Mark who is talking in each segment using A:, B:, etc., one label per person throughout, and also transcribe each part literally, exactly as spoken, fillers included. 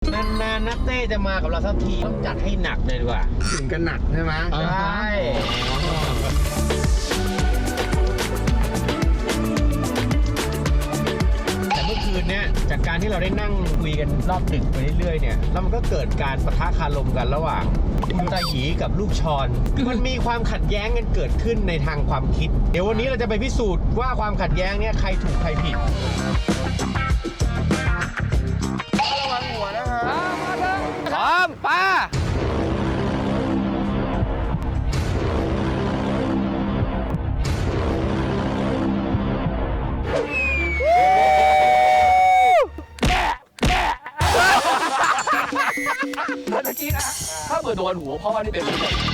A: นานๆนักเต้จะมากับเราสักทีต้องจัดให้หนักเลยดีกว่า
B: ถึงกันหนักใช่ไหม
A: ใช่แต่เมื่อคืนเนี้ยจากการที่เราได้นั่งคุยกันรอบดึกไปเรื่อยๆเนี่ยแล้วมันก็เกิดการปะทะคารมกันระหว่างคุณตาหยีกับลูกชอนมันมีความขัดแย้งกันเกิดขึ้นในทางความคิดเดี๋ยววันนี้เราจะไปพิสูจน์ว่าความขัดแย้งเนี่ยใครถูกใครผิดระวังหัวนะครับพร้อมป้า
C: เมื่อกี้นะถ้าเกิดโดนหัวพ่อนี่เป็น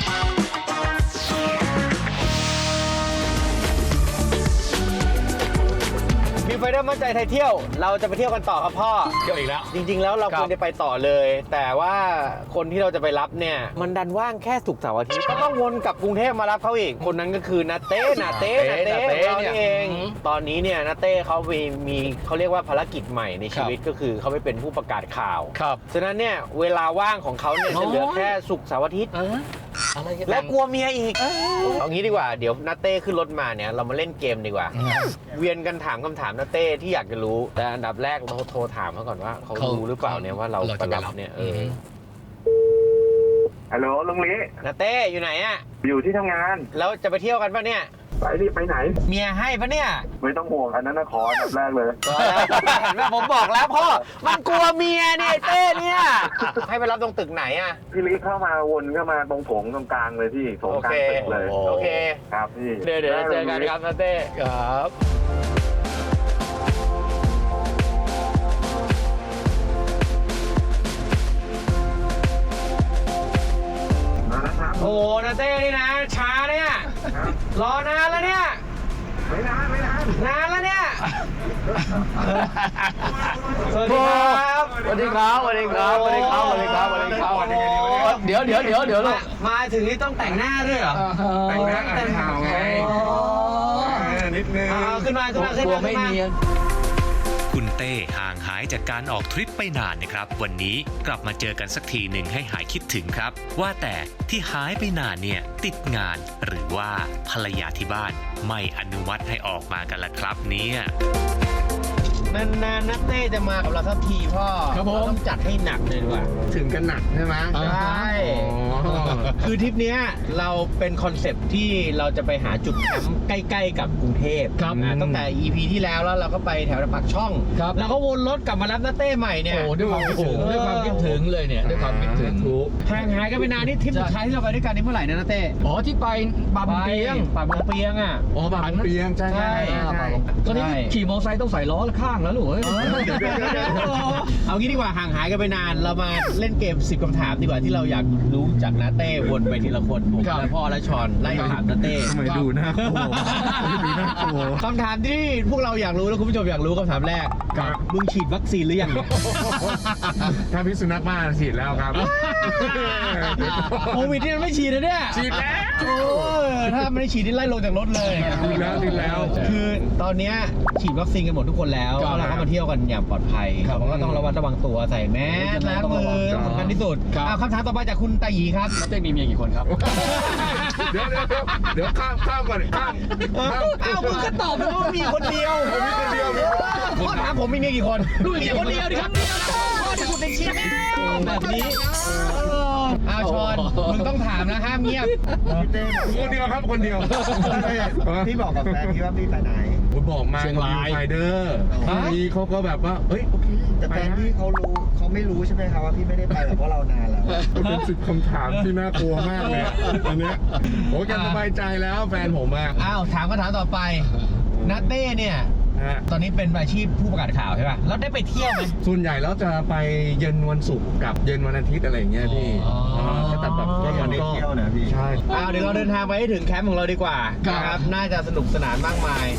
A: มีไฟเดอร์มั่นใจไทยเที่ยวเราจะไปเที่ยวกันต่อครับพ่อ
C: เที่ยวอีกแล้ว
A: จริงๆแล้วเราควรจะไปต่อเลยแต่ว่าคนที่เราจะไปรับเนี่ยมันดันว่างแค่ศุกร์เสาร์อาทิตย์ก็ต้องวนกลับกรุงเทพมารับเขาอีกคนนั้นก็คือนาเต้นาเต้นาเต้เราเองตอนนี้เนี่ยนาเต้เขามีมีเขาเรียกว่าภารกิจใหม่ในชีวิตก็คือเขาไปเป็นผู้ประกาศข่าว
C: ครับ
A: ฉะนั้นเนี่ยเวลาว่างของเขาเนี่ยจะเหลือแค่ศุกร์เสาร์อาทิตย์และกลัวเมียอีกเอางี้ดีกว่าเดี๋ยวนาเต้ขึ้นรถมาเนี่ยเรามาเล่นเกมดีกว่าเวียนกันถามคำถามนาเต้ที่อยากจะรู้แต่อันดับแรกเราโทรถามเขาก่อนว่าเขารู้หรือเปล่าเนี่ยว่าเราไปรับเนี่ยเออ
D: ฮัลโหลลุงลิ
A: นาเต้อยู่ไหนอะ
D: อยู่ที่ทำงาน
A: แล้วจะไปเที่ยวกันปะเนี่ย
D: ไปดิไปไหน
A: เมียให้ปะเนี่ย
D: ไม่ต้องห่วงอันนั้นนะขออันดับแรกเลย
A: เห็นไหมผมบอกแล้วพ่อมันกลัวเมียเนี่ยเต้เนี่ยให้ไปรับตรงตึกไหนอะ
D: พี่ลิเข้ามาวนเข้ามาตรงโถงตรงกลางเลยพี่โถงกลางตึกเลย
A: โอเค
D: ครับพี่
A: เดี๋ยวเดี๋ยวเจอกันครับนาเต้ครับโอ้นาเต้นี่นะช้าเนี่ยรอนานแล้วเนี่ย
D: ไม่นานไม่นาน
A: นานแล้วเนี่ยสวัสดีครับ
C: สวัสดีครับสวัสดีครับสวัสดีครับสวัสดีครับสวัสดีครับเดี๋ยวเดี๋ยวเดี๋ยวเดี๋ยวลูก
A: มาถึงนี่ต้องแต่งหน้าด้วยเหรอ
D: แต่งหน้าแต่งข่าวไงนิดนึง
A: ขึ้นมาขึ้นมาขึ้นมา
C: ไม่เนียน
E: คุณเต้ห่างหายจากการออกทริปไปนานนะครับวันนี้กลับมาเจอกันสักทีหนึ่งให้หายคิดถึงครับว่าแต่ที่หายไปนานเนี่ยติดงานหรือว่าภรรยาที่บ้านไม่อนุมัติให้ออกมากันล่ะครับเนี่ย
A: นานๆนักเต้จะมากับเราสักทีพ่อเราต้องจัดให้หนักเลยดีกว่า
B: ถึงกันหนักใช่ไหม
A: ใช่คือทริปนี้เราเป็นคอนเซปต์ที่เราจะไปหาจุดแคมป์ใกล้ๆกับกรุงเทพตั้งแต่ อี พี ที่แล้วแล้วเราก็ไปแถวปากช่องแล้วก็วนรถกลับมารับนักเต้ใหม่เนี่ย
C: โอ้ด้วยความคิดถึงด้วยความคิดถึงเลยเนี่ยด้วยความคิดถึงทุก
A: ห่างหายกันไปนานนี่ทริปสุดท้ายที่เราไปด้วยกันนี่เมื่อไหร่นะนักเต้
C: อ๋อที่ไปบางเปียง
A: บางเปียงอ่ะ
B: อ๋อบางเปียงใช่ใช่
C: ตอนนี้ขี่มอเตอร์ไซค์ต้องใส่ล้อข้างแล้วลูก
A: เอางี้ดีกว่าห่างหายกันไปนานเรามาเล่นเกมสิบคำถามดีกว่าที่เราอยากรู้จากนาเต้วนไปทีละคนผมและพ่อและชอนไล่ถามนาเต้
B: ทำไมดูน่ากลัวดูน่ากลัว
A: คำถามที่พวกเราอยากรู้แล้วคุณผู้ชมอยากรู้คำถามแรกมึงฉีดวัคซีนหรือยัง
B: ถ้าพิษสุนัขบ้าฉีดแล้วครับ
A: โควิดนี่มันไม่ฉีดนะเนี่ย
B: ฉีดแล้ว
A: ถ้าไม่ได้ฉีดนี่ไล่ลงจากรถเลย
B: ฉีดแล้วฉีดแล้ว
A: คือตอนนี้ฉีดวัคซีนกันหมดทุกคนแล้วเราก็มาเที่ยวกันอย่างปลอดภัยเราก็ต้องระวัดระวังตัวใส่แมสล้างมือสำคัญที่สุดคำถามต่อไปจากคุณตาหยีครับ
C: นาเต้มีเมียกี่คนครับ
B: เดี๋ยวเดี๋ยวเดี๋ยวข้ามข้ามก่อนข้าม
A: อ้าวมึงก็ตอบไปว่ามีคนเดียว
B: ผมมีคนเดียว
A: พ่อถามผมมีเมียกี่คนมีคนเดียวดิครับพ่อจะพูดในเชียร์แบบนี้อ้าวชอนมึงต้องถามนะห้ามเงียบ
B: คนเดียวครับคนเดียว
D: พี่บอกกับแฟนพี่ว่าพี่ไปไหน
B: ผมบอกมาเชียงรายไฟเดอร์ทีเขาก็แบบว่าเฮ้ยโอเค
D: แต่แฟนพี่เขารู้เขาไม่รู้ใช่ไหมครับว่าพี่ไม่ได้ไปแบบเพราะเรานานแล้ว
B: เป็นสิบคำถามที่น่ากลัวมากเลยอันเนี้ยโอ้ยกันสบายใจแล้วแฟนผมอ่ะ
A: อ้าวถามคำถามต่อไปนัทเต้เนี่ยตอนนี้เป็นอาชีพผู้ประกาศข่าวใช่ป่ะแล้วได้ไปเที่ยวไหม
B: ส่วนใหญ่แล้วจะไปเย็นวันศุกร์กับเย็นวันอาทิตย์อะไรอย่างเงี้ยพี่ก็แต่แบบก็
D: วันนี้เที่ยวนะพี่
B: ใช่
A: อ้าวเดี๋ยวเราเดินทางไปให้ถึงแคมป์ของเราดีกว่าครับน่าจะสนุกสนานมากมาย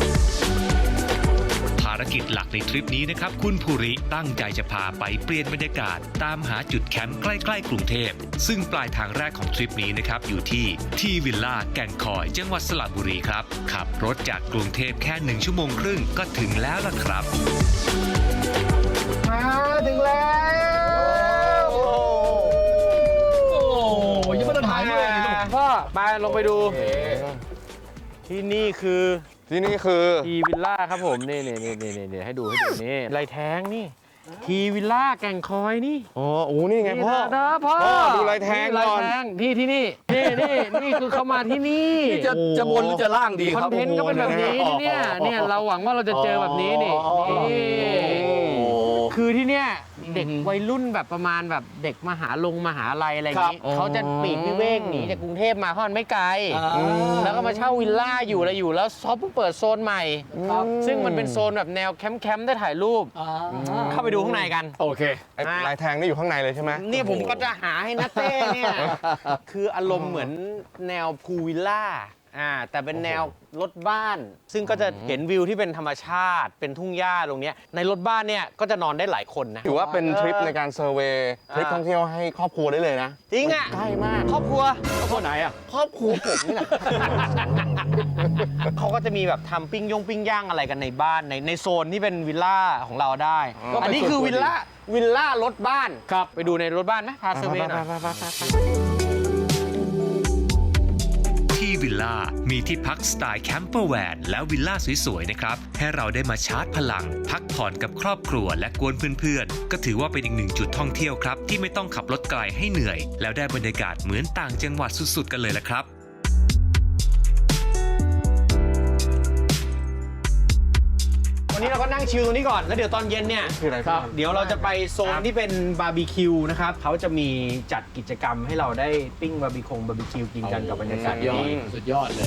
E: ภารกิจหลักในทริปนี้นะครับคุณภูริตั้งใจจะพาไปเปลี่ยนบรรยากาศตามหาจุดแคมป์ใกล้ๆกรุงเทพซึ่งปลายทางแรกของทริปนี้นะครับอยู่ที่ทีวิลล่าแก่งคอยจังหวัดสระบุรีครับขับรถจากกรุงเทพแค่หนึ่งชั่วโมงครึ่งก็ถึงแล้วล่ะครับ
A: มาถึงแล้วไปลงไปดูที่นี่คือ
B: ที่นี่คือ
A: ทีวิลล่าครับผมนี่นี่นี่นี่นี่ให้ดูให้ดูนี่ลายแท้งนี่ทีวิลล่าแก่งคอยนี่
B: อ๋อโอ้นี่ไงพ่อ
A: นะพ่อ
B: พ่อดูลายแทง
A: ลาย
B: ก่อน
A: แทงที่ที่นี่นี่นี่นี่คือเขามาที่นี่
C: จะจะบนหรือจะล่างดี
A: ค
C: ค
A: อ
C: รับ
A: นเทนต์ก็เป็นแบบนี้ที่เนี่ยเนี่ยเราหวังว่าเราจะเจอแบบนี้นี่นี่คือที่เนี่ยเด็กวัยรุ่นแบบประมาณแบบเด็กมหาลงมหาลัยอะไรอย่างนี้เขาจะปลีกวิเวกหนีจากกรุงเทพมาเพราะมันไม่ไกล แล้วก็มาเช่าวิลล่าอยู่อะไรอยู่แล้วซอฟเพิ่งเปิดโซนใหม่ ซึ่งมันเป็นโซนแบบแนวแคมป์แคมป์ได้ถ่ายรูป เข้าไปดูข้างในกัน
C: โอเค
B: ไอ้ลายแทงนี่อยู่ข้างในเลยใช่ไหม
A: เนี่ยผมก็จะหาให้นะเต้เนี่ย คืออารมณ์เหมือนแนวพูลวิลล่าอ่าแต่เป็นแนวรถบ้าน ซึ่งก็จะเห็นวิวที่เป็นธรรมชาติ เป็นทุ่งหญ้าตรงเนี้ยในรถบ้านเนี่ยก็จะนอนได้หลายคนนะ
B: ถือว่าเป็นทริปในการเซอร์เวย์ทริปท่องเที่ยวให้ครอบครัวได้เลยนะ
A: จริงอ่ะ
B: ใกล้มาก
A: ครอบครัว
C: คนไหนอ่ะ
B: ครอบครัวผมนี่แหละ
A: เขาก็จะมีแบบทำปิ้งย่งปิ้งย่างอะไรกันในบ้านในในโซนที่เป็นวิลล่าของเราได้
B: ก็เป็น
A: อันนี้คือวิลล่าวิลล่ารถบ้านครับไปดูในรถบ้านไหมพาเซอร์เวย์หน่อย
E: ที่วิลล่ามีที่พักสไตล์แคมเปอร์แวนและวิลล่าสวยๆนะครับให้เราได้มาชาร์จพลัง พักผ่อนกับครอบครัวและกวนเพื่อนๆก็ถือว่าเป็นอีกหนึ่งจุดท่องเที่ยวครับที่ไม่ต้องขับรถไกลให้เหนื่อย แล้วได้บรรยากาศเหมือนต่างจังหวัดสุดๆกันเลยละครับ
A: วันนี้เราก็นั่งชิลตรงนี้ก่อน แล้วเดี๋ยวตอนเย็นเนี่ย
B: คืออะไรครับ
A: เดี๋ยวเราจะไปโซนที่เป็นบาร์บีคิวนะครับเขาจะมีจัดกิจกรรมให้เราได้ปิ้งบาร์บีคงบาร์บีคิวกินกันกับบรรยากาศ
C: ยอด
A: นี้
C: สุดยอดเลย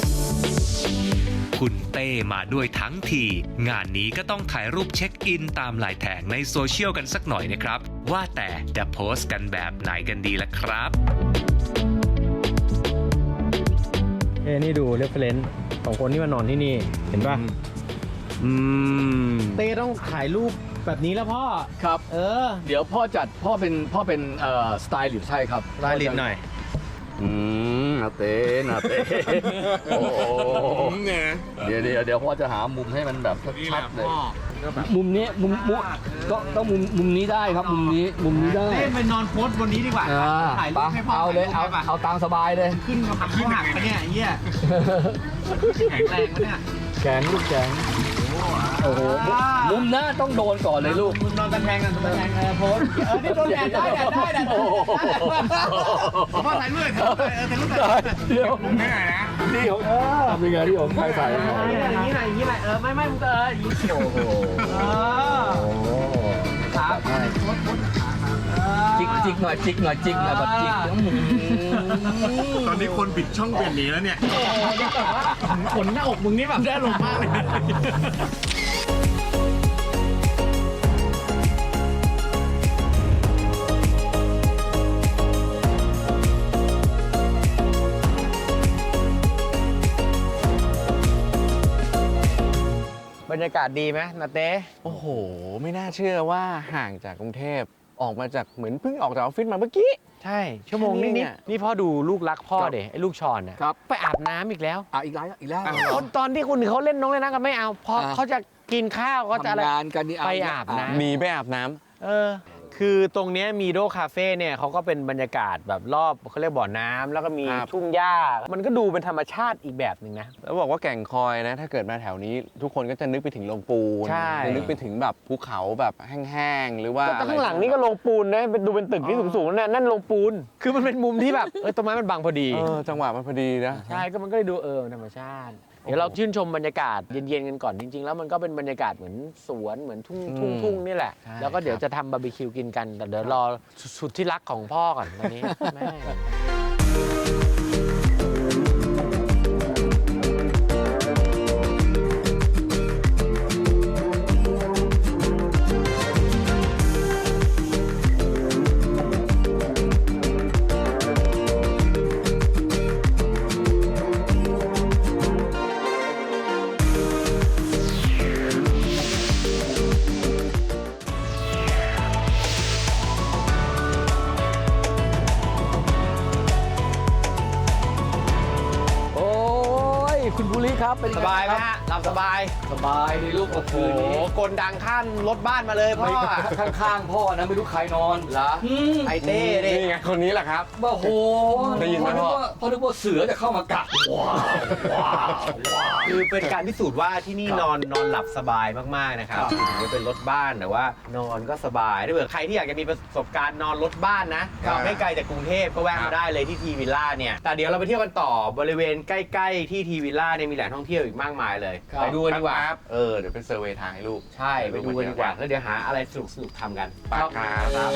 E: คุณเต้มาด้วยทั้งที งานนี้ก็ต้องถ่ายรูปเช็คอินตามลายแทงในโซเชียลกันสักหน่อยนะครับ ว่าแต่จะโพสต์กันแบบไหนกันดีล่ะครับ
A: เอ้นี่ดูเรฟเฟรนซ์ของคนที่มานอนที่นี่เห็นป่ะ
C: อืม
A: เต้ต้องถ่ายรูปแบบนี้แล้วพ่อ
C: ครับ
A: เออ
C: เดี๋ยวพ่อจัดพ่อเป็นพ่อเป็นเอ่อสไตล์หรือใช่ครับ
A: รายลิตหน่อย
C: อืมนาเต้นาเต้โอ้โหเดี๋ยวเดี๋ยวเดี๋ยวพ่อจะหามุมให้มันแบบชัดๆเลย มุมนี้มุมมุมก็ต้องมุมมุมนี้ได้ครับมุมนี้มุมนี้ได้
A: เต้ไปนอนโพสบนนี้ดีกว่า
C: อ่า
A: ถ่ายรู
C: ไป
A: ปให้พ่อ
C: เอาเลยเอา
A: ถ่รูปให้ป่ะ
C: เอาตามสบายเลย
A: ขึ้นมาหักขี้หักปะเนี่ยไอ้เหี้ยแข็งแรงปะเนี่ย
C: แข็งลูกแข็งโอ้โหมุมหน้าต้องโดนก่อนเลยลูก
A: มึงนอนตะแคงกันตะแคงเออโพสเออนี่โดนแดดได้แดดได้แดดได้พ่อถ่ายรูปเลยเออถ่ายรูปเลย
C: เดี๋ยว
A: ผมไม่ไหนนะ
C: นี่ผมทำยังไงที่ผมใส่ใส่
A: อย่างนี้หน่อยอย่างนี้หน่อยเออไม่ไม่มึงเอออย่างนี้โอ้โหเออครับโพสโพส
C: จิกจิกหน่อยจิกหน่อยจิกหน่อยแบบจิก
B: ตอนนี้คนปิดช่องเปลี่ยนหนีแล้วเนี่ย
A: ขนหน้าอกมึงนี่แบบได้ลงมากเลย บรรยากาศดีไหมนาเต้
B: โอ้โห ไม่น่าเชื่อว่าห่างจากกรุงเทพออกมาจากเหมือนเพิ่งออกจากออฟฟิศมาเมื่อกี้
A: ใช่ ชั่วโมงนิด
B: เนี่
A: นิด
B: ย
A: นี่พ่อดูลูกรักพ่อเด็ไอ้ลูกชอนน่ะ
C: ครับ
A: ไปอาบน้ำอีกแล้ว
C: อ่ะอีกแล้วอีกแล้ว
A: คนตอนที่คุณเขาเล่นน้องเล่นน้ำกันไม่เอาเพราะ
C: อ่า
A: เขาจะกินข้าวเขาจะอะไร
C: ทำงานกันนี่
A: ไปอาบน้ำ
B: หนีไปอาบน้ำ
A: เออ คือตรงเนี้ยมีโดคาเฟ่เนี่ยเขาก็เป็นบรรยากาศแบบรอบเขาเรียกบ่อน้ำแล้วก็มี
B: ครับ
A: ทุ่งหญ้า มันก็ดูเป็นธรรมชาติอีกแบบหนึ่งนะ
B: แล้วบอกว่าแก่งคอยนะ ถ้าเกิดมาแถวนี้ ทุกคนก็จะนึกไปถึงโรงปูน
A: ใช่
B: จะนึกไปถึงแบบภูเขาแบบแห้งๆหรือว่า
A: แต่ข้างหลังนี่ก็โรงปูนนะเป็นดูเป็นตึกที่สูงๆนะนั่นโรงปูน คือมันเป็นมุมที่แบบเออต้นไม้มันบังพอดี
B: เออจังหวะมันพอดีนะ
A: ใช่ก็มันก็เลยดูเออธรรมชาติ เดี๋ยวเราชื่นชมบรรยากาศเย็นๆกันก่อนจริงๆ แล้วมันก็เป็นบรรยากาศเหมือนสวนเหมือนทุ่งทุ่งทุ่งนี่แหละ
B: ใช่
A: แล้วก็เดี๋ยวจะทำบาร์บีคิวกินกันแต่เดี๋ยวรอสุดที่รักของพ่อก่อนตอนนี้แม่
E: ค
C: ครับเป็น
A: สบายไหมฮะหลับสบาย
C: สบายในลูก
A: โอ้โห
C: คืนนี้
A: กลดังขั้นรถบ้านมาเลยพ่อ
C: ข้างๆพ่อนะไม่รู้ใครนอน
A: เหรอ
C: อืม
A: ไอเต้ดิ
B: นี่ไงคนนี้แหละครับ
C: โอ้โห
B: ได้ยินไหม
C: พอนึก
B: พ่อ
C: ว่าพอนึกว่าเสือจะเข้ามากัดว้าวว้าวว้าว
A: คือเป็นการพิสูจน์ว่าที่นี่นอนนอนหลับสบายมากๆนะครับถึงจะเป็นรถบ้านแต่ว่านอนก็สบายถ้าเผื่อใครที่อยากจะมีประสบการณ์นอนรถบ้านนะไม่ไกลจากกรุงเทพก็แวะมาได้เลยที่ทีวิลล่าเนี่ยแต่เดี๋ยวเราไปเที่ยวกันต่อบริเวณใกล้ๆที่ทีวิลล่าเนี่ยมีแหล่งท่องเที่ยวอีกมากมายเลยไปดูกันดีกว่า
B: เออเดี๋ยวเป็นเซอร์เวย์ทางให้ลูก
A: ใช่ไปดูกันดีกว่าแล้วเดี๋ยวหาอะไรสนุกๆทำกัน
B: ไปครับ
A: ครับ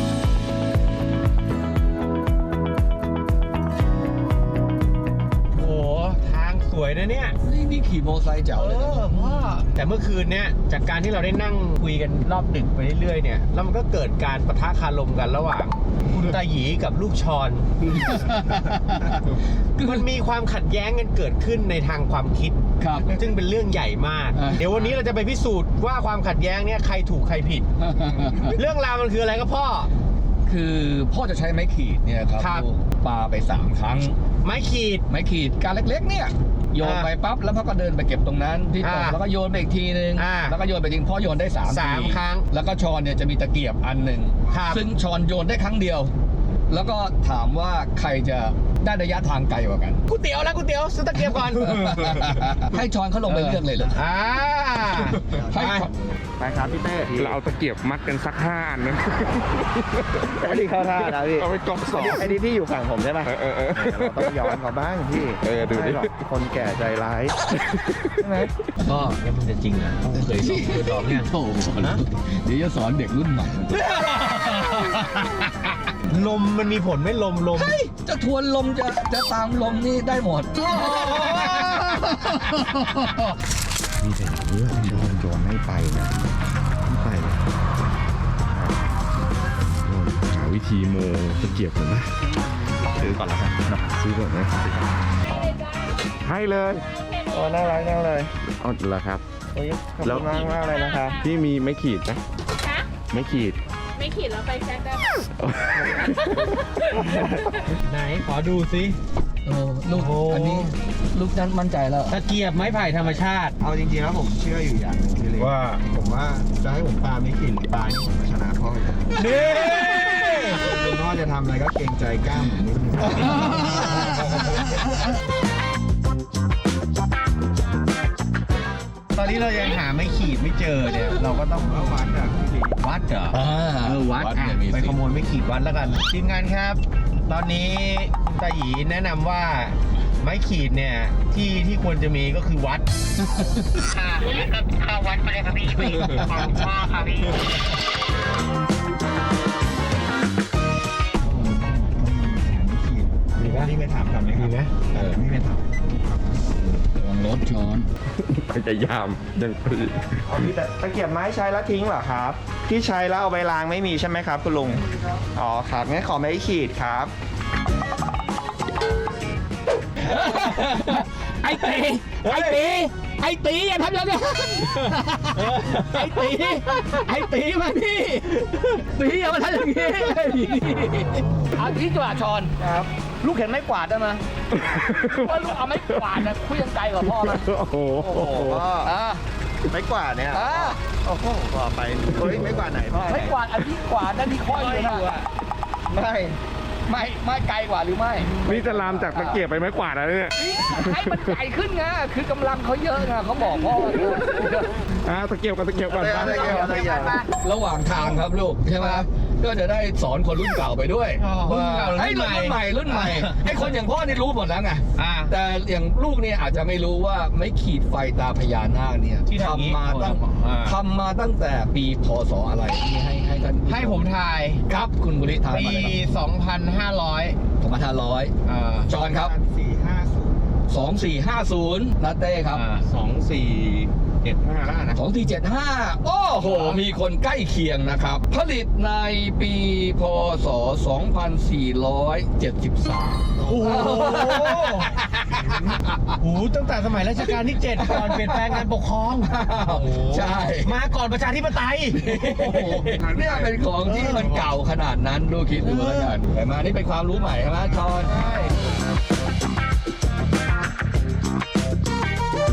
A: โอ้โหทางสวยนะเนี่ย
C: นี่นี่ขี่มอเตอร์ไซค์เจ๋ว
A: เอ
C: เลยนะ
A: อพ่อแต่เมื่อคืนเนี้ยจากการที่เราได้นั่งคุยกันรอบดึกไปเรื่อยๆเนี่ยแล้วมันก็เกิดการปะทะคารมกันระหว่างคุณตาหยีกับลูกชอน มันมีความขัดแย้งกันเกิดขึ้นในทางความคิด
C: ครับ
A: ซึ่งเป็นเรื่องใหญ่มาก
C: อ่า
A: เดี๋ยววันนี้เราจะไปพิสูจน์ว่าความขัดแย้งเนี่ยใครถูกใครผิด เรื่องราวมันคืออะไรครับพ่อ
C: คือพ่อจะใช้ไม้ขีดเนี่ยครับ
A: ครับ
C: ลูกปาไปสามครั้ง
A: ไม้ขีด
C: ไม้ขีดการเล็กๆเนี่ยโยนไปปั๊บแล้วพ่อก็เดินไปเก็บตรงนั้นที่ตก
A: อ่า
C: แล้วก็โยนไปอีกทีนึง
A: อ่า
C: แล้วก็โยนไปทิ้งพ่อโยนได้สาม
A: สาม
C: ที
A: ครั้ง
C: แล้วก็ชอนเนี่ยจะมีตะเกียบอันหนึ่ง
A: ครับ
C: ซึ่งชอนโยนได้ครั้งเดียว แล้วก็ถามว่าใครจะได้ระยะทางไกลกว่ากัน
A: ก๋วยเตี๋ยวแล้วก๋วยเตี๋ยวซื้อตะเกียบก่อน
C: ให้ชอนเขาลงไปเลือกเลยเลย
A: อ่า
C: ให้
A: ไป
B: ไปครับพี่เต้เราเอาตะเกียบมัดกันสักห้าอันนะ
F: ไอ้ที่เข้าท่านะพี่
B: เอาไปกอกสอง
F: ไอ้ที่พี่อยู่ฝั่งผมใช่ไหม
B: เออเออเออ
F: เราต้องย้อนเขาบ้างพี่
B: เออดูดิ
F: ไม่หรอกคนแก่ใจร้ายใช่ไหม
C: ก็
A: แล้วมันจะจริงเหรอเคยสอนเนี่ย
C: โถ่นะเดี๋ยวจะสอนเด็กรุ่นใหม่
A: ลมมันมีผลไหม่ลมลม
C: เฮ้ยจะทวนลมจะจะตามลมนี่ได้หมด
F: พี่เป็นเรื่องโดนโยนไม่ไปนะไม่ไปเลยหาวิธีโมตะเกียบผมนะซื้อก่อนแล้วกันซื้อก่อนนะให้เลยโอ้น่ารักน่าเลยอ๋อเหรอครับโอ้ยขอบคุณมากมากเลยนะครับพี่มีไม่ขีดนะ
G: ฮะ
F: ไม่ขีด
G: ไม่ขีดแล้วไปแช็คได้ปะ
A: ไหนขอดูซิ
C: เออลูก
A: โอ้
C: อันนี้ลูกนั้นมั่นใจแล้ว
A: ตะเกียบไม้ไผ่ธรรมชาติ
F: เอาจริงๆแล้วผมเชื่ออยู่อย่างหนึงพี่เล็ก
A: ว่า
F: ผมว่าจะให้ผมปาไม่ขีดหรือปานี่ผมก็ชนะพ่ออยู่
A: นี่
F: คุณพ่อจะทำอะไรก็เกรงใจกล้ามผมนิดนึง
A: ตอนนี้เรายังหาไม่ขีดไม่เจอเนี่ย เราก็ต้อง
F: แล้ววัดอ่ะพี่
A: วัดเหรอ
C: อ่า
A: เออวัด
C: วัด
A: อ่ะ
C: เนี่ยมี
A: ไป
C: สิ
A: ขโมยไม่ขีดวัดแล้วกันทีมงานครับ ตอนนี้คุณตาหยีแนะนำว่าไม้ขีดเนี่ยที่ที่ควรจะมีก็คือวัด
G: ค่ะเข้าวัดไปเลยค่ะพี่ไปของพ่อค่ะพี่
F: มีไหมนี่ไปถามคำไหมครับ
A: มีไหม
F: เออนี่ไปถาม
C: ระวังรถช้อน
B: พยายามยังปี
F: เอาพี่แต่ตะเกียบไม้ใช้แล้วทิ้งเหรอครับ ที่ใช้แล้วเอาไปล้างไม่มีใช่ไหมครับคุณลุง อ๋อครับงั้นขอไม้ขีดครับ
C: ไอ้ตีไอ้ตีไอ้ตีอย่าทำอย่างนั้นไอ้ตีไอ้ตีมานี่ตีอย่ามาทำอย่างนี้เอาที่กว่าชอนครับ ลูกเห็นไม้กวาดได้ไหมว่าลูกเอาไม้กวาดนะคุยยังไกลกว่าพ่อนะ
B: โอ้โห
F: โอ้โหพ่อ
C: อ่า
F: ไม้กวาดเนี่ย
C: อ่า
F: โอ้โหพ่อไปเฮ้ยไม้กวาดไหนพ่อ
C: ไม้กวาดอันที่กวาดนั่นที่ค่อยอยู่นะ
F: ไม่
C: ไม่ไม่ไกลกว่าหรือไม่
B: นี่จะลามจากตะเกียบไปไม้กวาดแล้วเนี่ย
C: ให้มันใหญ่ขึ้นไงคือกำลังเขาเยอะไงเขาบอกพ่อ
B: อ่าตะเกียบกับตะเกียบก่อน
F: เอา
B: ไป
F: ตะเกียบเอาตะเกียบ
C: ระหว่างทางครับลูกใช่ไหมก็จะได้สอนคนรุ่นเก่าไปด้วย
A: อ๋อรุ่น
C: ว่า
A: เก่ารุ่น
C: ไอ้รุ่น
A: ใหม่
C: ใหม่รุ่นใหม่ไอ้คนอย่างพ่อนี่รู้หมดแล้วไง
A: อ่า
C: แต่อย่างลูกเนี่ยอาจจะไม่รู้ว่าไม่ขีดไฟตาพญานาคเนี่ย
A: ที่ทำอย่างนี้
C: ทำมาตั้ง
A: อ่า
C: ทำมาตั้งแต่ปีพศอะไรนี่ให้ให้ท่าน
A: ให้ผมทาย
C: ครับคุณบุริทาย
A: ปี
C: มาเลย
A: สองพันห้าร้อย
C: สองพันห้าร้อย
A: อ่า
C: จอนครับ
F: สี่ห้าศูนย์
C: สองสี่ห้าศูนย์นาเต้ครับ
A: สองสี่เจ็ดห้าแล้วนะ
C: สองสี่เจ็ดห้าโอ้โห มีคนใกล้เคียงนะครับ ผลิตในปีพศสองพันสี่ร้อยเจ็ดสิบสาม
A: โอ้โหโอ้โหตั้งแต่สมัยรัชกาลที่เจ็ดก่อนเปลี่ยนแปลงการปกครอง
C: ใช่
A: มาก่อนประชาธิปไตย
C: โอ้โหเนี่ยเป็นของที่มันเก่าขนาดนั้นดูคิดดูแล้วกันแต่มานี่เป็นความรู้ใหม่ใช่ไหมชอน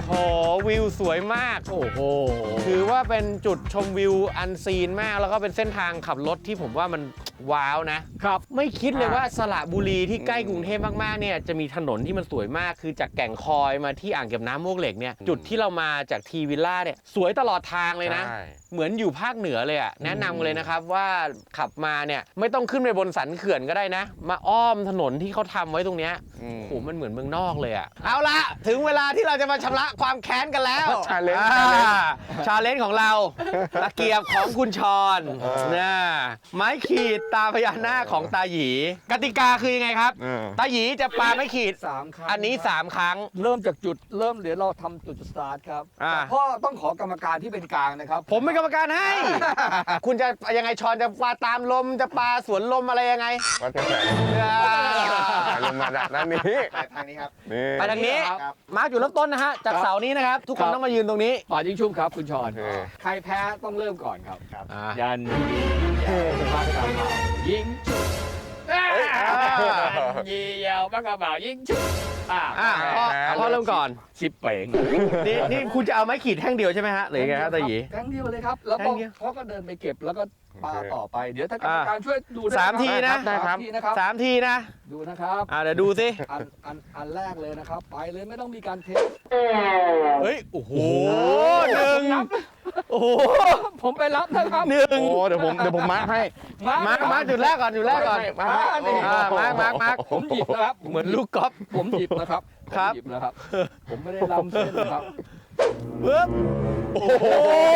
A: โหวิวสวยมาก
C: โอ้โห
A: ถือว่าเป็นจุดชมวิวอันซีนมาก แล้วก็เป็นเส้นทางขับรถที่ผมว่ามันว้าวนะครับ ไม่คิดเลยว่าสระบุรีที่ใกล้กรุงเทพมากๆเนี่ยจะมีถนนที่มันสวยมากคือจากแก่งคอยมาที่อ่างเก็บน้ำมวกเหล็กเนี่ยจุดที่เรามาจากทีวิลล่าเนี่ยสวยตลอดทางเลยนะ
F: ใช่
A: เหมือนอยู่ภาคเหนือเลยอะแนะนำเลยนะครับว่าขับมาเนี่ยไม่ต้องขึ้นไปบนสันเขื่อนก็ได้นะ มาอ้อมถนนที่เขาทำไว้ตรงเนี้ย
F: อืม
A: โอ้โหมันเหมือนเมืองนอกเลยอะเอาละถึงเวลาที่เราจะมาชำระความแค้นกันแล้ว
F: Challenge
A: ชาเลนจ์ของเราตะเกียบของคุณชอนนะไม้ขีดตาพญานาคของตาหยีกติกาคือยังไงครับ
F: เออ
A: ตาหยีจะปาไม้ขีด
C: สามครั้ง
A: อันนี้สามครั้ง
C: เริ่มจากจุดเริ่มเดี๋ยวเราทำจุดสตาร์ทครับ
A: อ่า
C: แต่พ่อต้องขอกรรมการที่เป็นกลางนะครับ
A: ผมเป็นกรรมการให้ คุณจะยังไงชอนจะปาตามลมจะปาสวนลมอะไรยังไง
F: วัดกระแสลงมาด้านนี้
D: ทางนี้ครับ
F: นี่
A: ไปทางนี้
C: ครับ
A: มาร์กอยู่เริ่มต้นนะฮะ จากเสานี้นะครับ ทุกคนต้องมายืนตรงนี้
C: ป่ายิงชุ่มครับคุณชอน
F: โอเค
C: ใครแพ้ต้องเริ่มก่อนครับ
A: อ่า
C: ยันยียาวบ้ากระเป๋ายิงชุบยันยียาวบ้ากระเป๋ายิงชุบอ่า
A: อ่าพ่อพ่อเริ่มก่อน
C: ชิปเป่ง
A: นี่นี่คุณจะเอาไม้ขีดแท่งเดียวใช่ไหมฮะหรือยังไงครับตาหยี
C: ครั้งเดียวเลยครับ แล้ว
A: ครั้งเดียว
C: พ่อก็เดินไปเก็บแล้วก็ปาต่อไป เดี๋ยวถ้ากรรมการช่วยดูด้วย
A: สามทีนะ
C: สามทีนะครับ
A: สามทีนะ
C: ดูนะครับ
A: อ่าเดี๋ยวดูสิ
C: อันอันอันแรกเลยนะครับ ไปเลยไม่ต้องมีการเทส
A: เฮ้ย โอ้โหหนึ่งโอ้โห
C: ผมไปรับนะครับ
A: หนึ่ง
F: โอ้เดี๋ยวผมเดี๋ยวผมมาร์คให้
A: มาร์กมาร์กจุดแรกก่อนจุดแรกก่อน
F: มาร์คให้
A: อ่ามาร์กมาร์กมาร์ก
C: ผมหยิบนะครับ
A: เหมือนลูกกอล์ฟ
C: ผมหยิบนะครับ
A: ครับ
C: ผมหยิบนะครับ ผมไม่ได้ล้ำเส้นนะครับ
A: ปึ๊บโอ้โห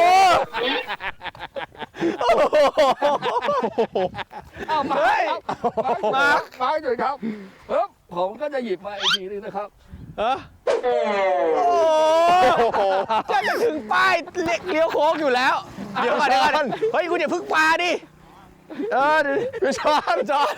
C: เอามา
A: เฮ้ย
C: ครับมามามาจุดครับปึ๊บผมก็จะหยิบมาอีกทีนึงนะครับ
A: เออโอ้โหจะจะถึงป้ายเลี้ยวโค้งอยู่แล้ว เดี๋ยวก่อนเดี๋ยวก่อนเฮ้ย คุณอย่าพึ่งปาดิ เออเดี๋ยวพี่ชอนจอน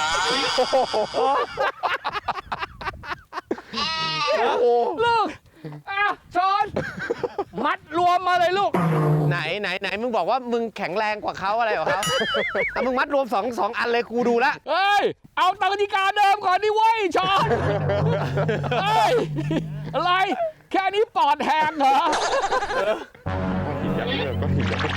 A: โอ้โห
C: ลูกอ่ะช้อน มัดรวมมาเลยลูก
A: ไหนไหนไหนมึงบอกว่ามึงแข็งแรงกว่าเขาอะไรกว่าเขาอ่ะมึงมัดรวมสองสองอันเลยกูดูละ
C: เฮ้ย เอาตามกติกาเดิมก่อนดิเว้ยช้อน เฮ้ย อะไร แค่นี้ปอดแหกเหรอ
F: หินยักษ์เลิกก็หินยักษ์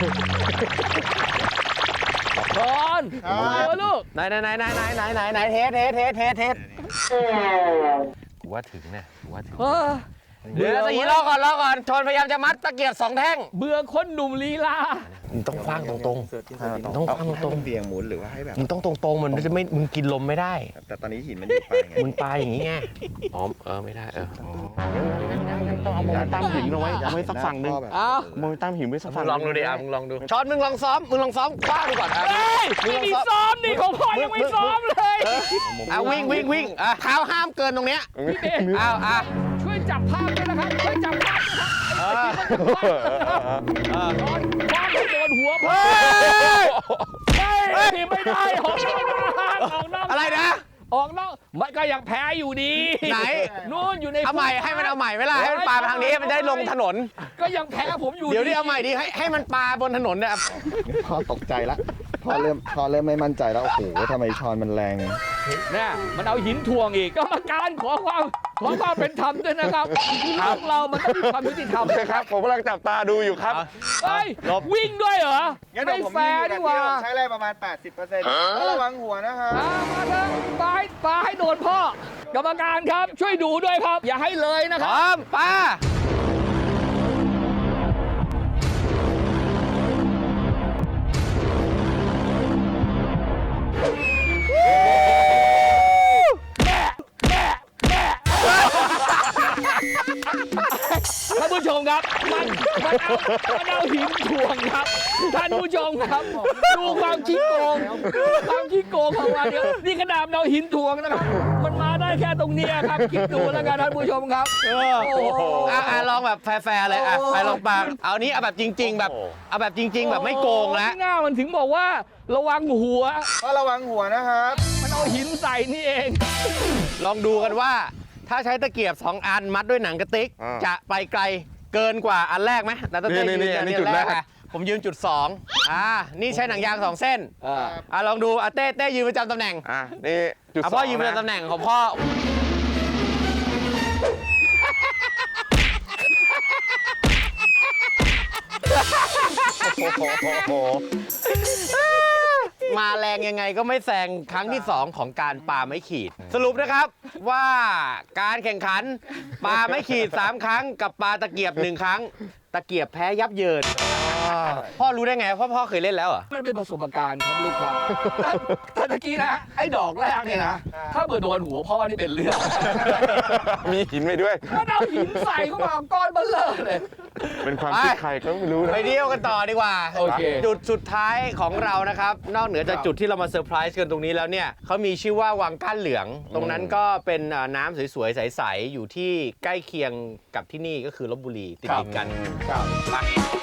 C: ช้อนโอ้ลูก
A: ไหนไหนไหนไหนไหนไหนไหนไหนเทสเทสเทสเทสเทสกูว่าถึงเนี่ยกูว่าถึง
C: เออ
A: เดี๋ยวตะกี้รอก่อนรอก่อนชนพยายามจะมัดตะเกียบสองแท่ง
C: เบื่อคนหนุ่มลีลา
A: มึงต้องคว้างตรงๆต้องคว้างตรง
H: เบี่ยงหมุนหรือว่าให้แบบ
A: ๆมึงต้องตรงๆมันจะไม่มึงกินลมไม่ได้
H: แต่ตอนนี้หินมันอยู่ปลายไง
A: มึงปลาอย่างนี้ไงอ๋อเออไม่ได้เออต้องเอาโมเมนตัมหินเอาไว้เอาไว้สักฝั่งหนึ่ง
C: อ้าว
F: โมเมนตัมหินไว้สัก
A: มึ
F: ฝั่ง
A: งลองดูดิอ่ะมึงลองดูช้อนมึงลองซ้อมมึงลองซ้อมคว้างดูก่อนอ่ะ
C: เฮ้ยไม่มีซ้อมดิของพ่อยังไม่ซ้อมเลย
A: อ่ะวิ่งวิ่งวิ่งอ่ะเท้าห้ามเกินตรงเนี้ย
C: พี่เบน
A: อ้าวอ่ะ
C: ช่วยจับภาพด้วยนะครับ ช่วยจับภาพด้วยครับไอ้ที่มันจะพลาดนะครับโดนคว้างให้โดนหัวพ่อเฮ้ยนี่ไม่ได้ออกนอกออกนอก
A: อะไรนะ
C: ออกนอกมันก็ยังแพ้อยู่ดี
A: ไหน
C: นู่นอยู่ใน
A: เอาใหม่ให้มันเอาใหม่เวลาให้มันปลาไปทางนี้มันได้ลงถนน
C: ก็ยังแพ้ผมอยู่
A: เดี๋ยวนี้เอาใหม่ดิให้ให้มันปลาบนถนนเนี่ย
H: พอตกใจละพอเริ่มพอเริ่มไม่มั่นใจแล้ว โอ้โหทำไมช้อนมันแรง
C: เนี่ยมันเอาหินถ่วงอีกกรรมการขอความขอความเป็นธรรมด้วยนะครับโลกเรามันต้องมีความยุติธรรม
F: ครับ ผมกำลังจับตาดูอยู่ครับ
C: เฮ้ยวิ่งด้วยเหรอไม่แฟร์ดีกว่า
H: ใช้แรงประมาณ แปดสิบเปอร์เซ็นต์ระวังหัวนะครับ
C: อ่ามาเถอะปลาให้ปลาให้โดนพ่อกรรมการครับช่วยดูด้วยครับ อย่าให้เลยนะ
A: พ
C: ครับ
A: ร้อมปลา
C: ท่านผู้ชมครับมันมันเอามันเอาหินถ่วงครับท่านผู้ชมครับดูความขี้โกงความขี้โกงของมันเนี่ยนี่ขนาดเอาหินถ่วงนะครับ มันมาได้แค่ตรงเนี้ยครับคิดดูแล้วกันท่านผู้ชมครับโอ้โห
A: อ่ะอ่ะลองแบบแฟร์ๆเลยอ่ะไปลองปลาเอานี้เอาแบบจริง ๆ แบบเอาแบบจริง ๆ แบบไม่โกงแล้ว
C: หน้ามันถึงบอกว่าระวังหัว
H: ก็ระวังหัวนะครับ
C: มันเอาหินใส่นี่เอง
A: ลองดูกันว่า ถ้าใช้ตะเกียบสองอันมัดด้วยหนังกระติก
F: อ่า
A: จะไปไกลเกินกว่าอันแรกไหมแต่ตะเต้
F: นี่
A: ยื
F: นี่
A: นยัน
F: นี่
A: นี่
F: จุด
A: อันแรก
F: แรก
A: อ่ะผมยืนจุดสองอ่านี่ใช้หนังยางสองเส้น
C: อ่า
A: อ่ะลองดูอ่ะเต้เต้ยืนประจำตำแหน่ง
F: อ่ะนี่จุด
A: อ่ะ
F: ส
A: พ่
F: อ
A: อง ยืนประ
F: นะ
A: จำตำแหน่งของพ่อโหมาแรงยังไงก็ไม่แซงครั้งที่สองของการปาไม้ขีด สรุปนะครับว่าการแข่งขันปาไม้ขีดสามครั้งกับปาตะเกียบหนึ่งครั้ง ตะเกียบแพ้ยับเยินพ่อรู้ได้ไงเพราะพ่อเคยเล่นแล้วเหรอ
C: มันเป็นประสบการณ์ครับลูกครับแต่ตะกี้นะไอ้ดอกแรกเนี่ยนะถ้าเปิดโดนหัวพ่อนี่เป็นเรื่อง
F: มีหินไปด้วย
C: ถ้าเอาหินใส่เข้ามาก้อนเบลเลอร์เลย
F: เป็นความคิดใครก็ไม่รู้นะ
A: ไปเที่ยวกันต่อดีกว่า
C: โอเค
A: จุดสุดท้ายของเรานะครับ นอกเหนือจากจุดที่เรามาเซอร์ไพรส์กันตรงนี้แล้วเนี่ยเขามีชื่อว่าวังก้านเหลือง ตรงนั้นก็เป็นเอ่อน้ำสวยๆ ใสๆ อยู่ที่ใกล้เคียงกับที่นี่ก็คือลพบุรีติดๆกันไป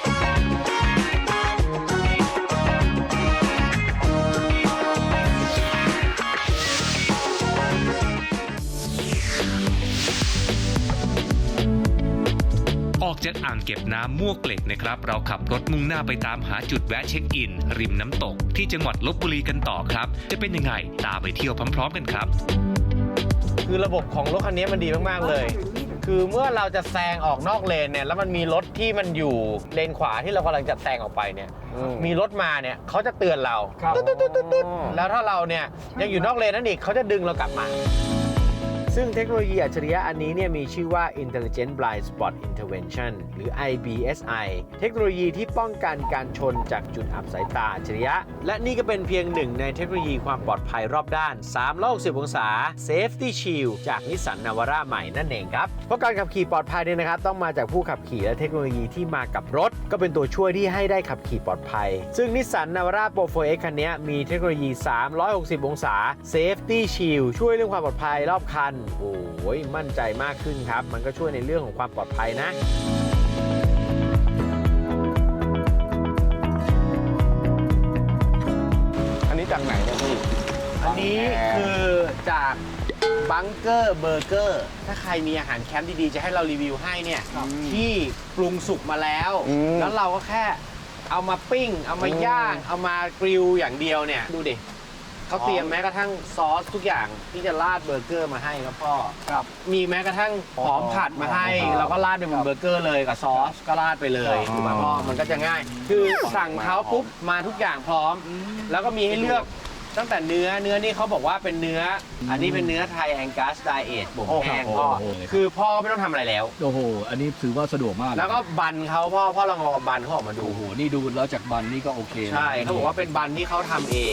E: ออกจากอ่างเก็บน้ำมวกเหล็กนะครับ เราขับรถมุ่งหน้าไปตามหาจุดแวะเช็คอิน ริมน้ำตกที่จังหวัดลพบุรีกันต่อครับ จะเป็นยังไงตามไปเที่ยวพร้อมๆกันครับ
A: คือระบบของรถคันนี้มันดีมากๆเลย คือเมื่อเราจะแซงออกนอกเลนเนี่ยแล้วมันมีรถที่มันอยู่เลนขวาที่เรากำลังจะแซงออกไปเนี่ยมีรถมาเนี่ยเขาจะเตือนเราตุ๊ดๆๆๆแล้วถ้าเราเนี่ยยังอยู่นอกเลนนั่นอีกเขาจะดึงเรากลับมา ซึ่งเทคโนโลยีอัจฉริยะอันนี้เนี่ยมีชื่อว่า Intelligent Blind Spot Intervention หรือ ไอ บี เอส ไอ เทคโนโลยีที่ป้องกันการชนจากจุดอับสายตาอัจฉริยะ และนี่ก็เป็นเพียงหนึ่งในเทคโนโลยีความปลอดภัยรอบด้านสามร้อยหกสิบองศา Safety Shield จากนิสสันนาวาร่าใหม่นั่นเองครับ เพราะการขับขี่ปลอดภัยเนี่ยนะครับต้องมาจากผู้ขับขี่และเทคโนโลยีที่มากับรถ ก็เป็นตัวช่วยที่ให้ได้ขับขี่ปลอดภัย ซึ่งนิสสันนาวาร่า โปร โฟร์ เอ็กซ์ คันนี้มีเทคโนโลยีสามร้อยหกสิบองศา Safety Shield ช่วยเรื่องความปลอดภัยรอบคันโอ้ยมั่นใจมากขึ้นครับ มันก็ช่วยในเรื่องของความปลอดภัยนะ
F: อันนี้จากไหนเนี่ยพี่
A: อันนี้คือจากบังเกอร์เบอร์เกอร์ ถ้าใครมีอาหารแคมป์ดีๆ จะให้เรารีวิวให้เนี่ย ที่ปรุงสุกมาแล้ว แล้วเราก็แค่เอามาปิ้ง เอามาย่าง เอามากริลอย่างเดียวเนี่ย ดูดิเขาเตรียมแม้กระทั่งซอสทุกอย่างที่จะราดเบอร์เกอร์มาให้ครับพ่อครับมีแม้กระทั่งหอมผัดมาให้เราก็ราดไปบนเบอร์เกอร์เลยกับซอสก็ราดไปเลยถูกไหมพ่อมันก็จะง่าย คือสั่งเขาปุ๊บมาทุกอย่างพร้อม แล้วก็มีให้เลือกตั้งแต่เนื้อเนื้อนี่เขาบอกว่าเป็นเนื้อ อันนี้เป็นเนื้อไทยแองกัสไดเอทบ่มแห้งพ่อคือพ่อไม่ต้องทำอะไรแล้ว
C: โอ้โหอันนี้ถือว่าสะดวกมาก
A: แล้วก็บันเขาพ่อพ่อลองเอาบันเขาออกมาดู
C: โอ้โหนี่ดูแล้วจากบันนี่ก็โอเคนะ
A: ใช่เขาบอกว่าเป็นบันที่เขาทำเอง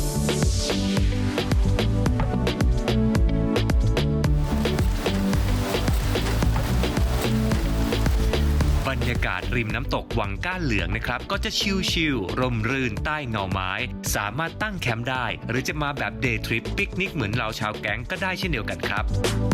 E: บรรยากาศริมน้ำตกวังก้านเหลืองนะครับก็จะชิลๆร่มรื่นใต้เงาไม้ สามารถตั้งแคมป์ได้ หรือจะมาแบบเดย์ทริปปิกนิกเหมือนเราชาวแก๊งก็ได้เช่นเดียวกันครับ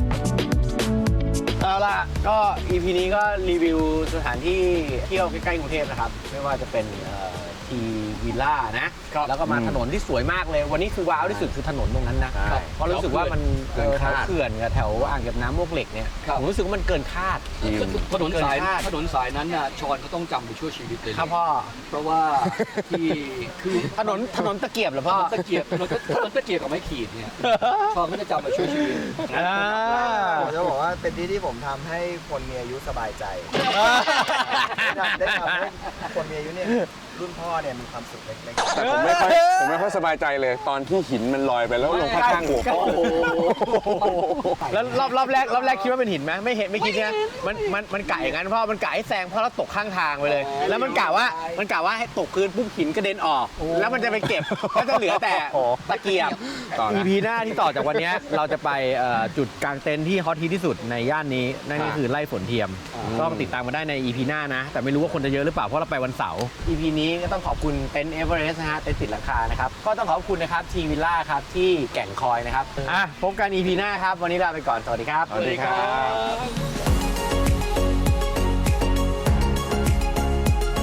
A: เอาล่ะก็ อี พี นี้ก็รีวิวสถานที่เที่ยวใกล้ๆกรุงเทพนะครับ ไม่ว่าจะเป็นทีวิลล่านะ แล้วก็มาถนนที่สวยมากเลย วันนี้คือว้าวที่สุดคือถนนตรงนั้นนะ เพราะรู้สึกว่ามันเกินคาดเขื่อนกับแถวอ่างเก็บน้ำมวกเหล็กเนี่ยผมรู้สึกว่ามันเกินคาด
C: ถนนสาย
A: เกินคาด
C: ถนนสายนั้นน่ะชอนเขาต้องจำไปชั่วชีวิตเลย
A: ครับพ่อ
C: เพราะว่าที่คือ
A: ถนนถนนตะเกียบเหรอ
C: ถ
A: พ่อ
C: นนตะเกียบถนนถนนตะเกียบกับไม้ขีดเนี่ยชอนเขาจะจำไปชั่วชีวิต
A: อ่า
H: ผมจะบอกว่าเป็นที่ที่ผมทำให้คนมีอายุสบายใจ ได้ทำให้คนมีอายุเนี่ยรุ่นพ่อเนี่ยมีความสุขเล็กๆ
F: แต่ผมไม่ค่อยผมไม่ค่อยสบายใจเลย ตอนที่หินมันลอยไปแล้วลงข้างๆหัวพ่อ
A: แล้วรอบรอบแรกรอบแรกคิดว่าเป็นหินไหมไม่เห็นไม่คิดเนี่ยมันมันมันกะอย่างนั้นพ่อมันกะให้แซงพ่อแล้วตกข้างทางไปเลย แล้วมันกะว่ามันกะว่าให้ตกพื้นปุ๊บหินกระเด็นออก แล้วมันจะไปเก็บก็จะเหลือแต่ตะเกียบ อี พี หน้าที่ต่อจากวันนี้เราจะไปเอ่อจุดกลางเต็นท์ที่ฮอตฮิตที่สุดในย่านนี้นั่นก็คือไร่ฝนเทียมต้องติดตามมาได้ใน อี พี หน้านะ แต่ไม่รู้ว่าคนจะเยอะหรือเปล่าเพราะเราไปวันเสาร์ อี พี นี้ก็ต้องขอบคุณเต็นท์เอเวอเรสต์นะฮะเต็นท์ติดหลังคานะครับก็ต้องขอบคุณนะครับทีวิลล่าครับที่แก่งคอยนะครับอ่ะพบกัน อี พี หน้าครับวันนี้ลาไปก่อนสวัสดีครับ
F: สวัสดีครับ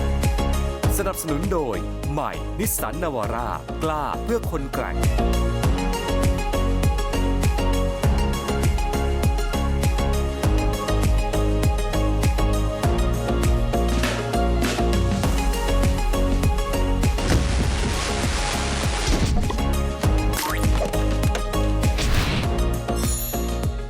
I: สนับสนุนโดยใหม่นิสสันนาวาร่ากล้าเพื่อคนแกร่ง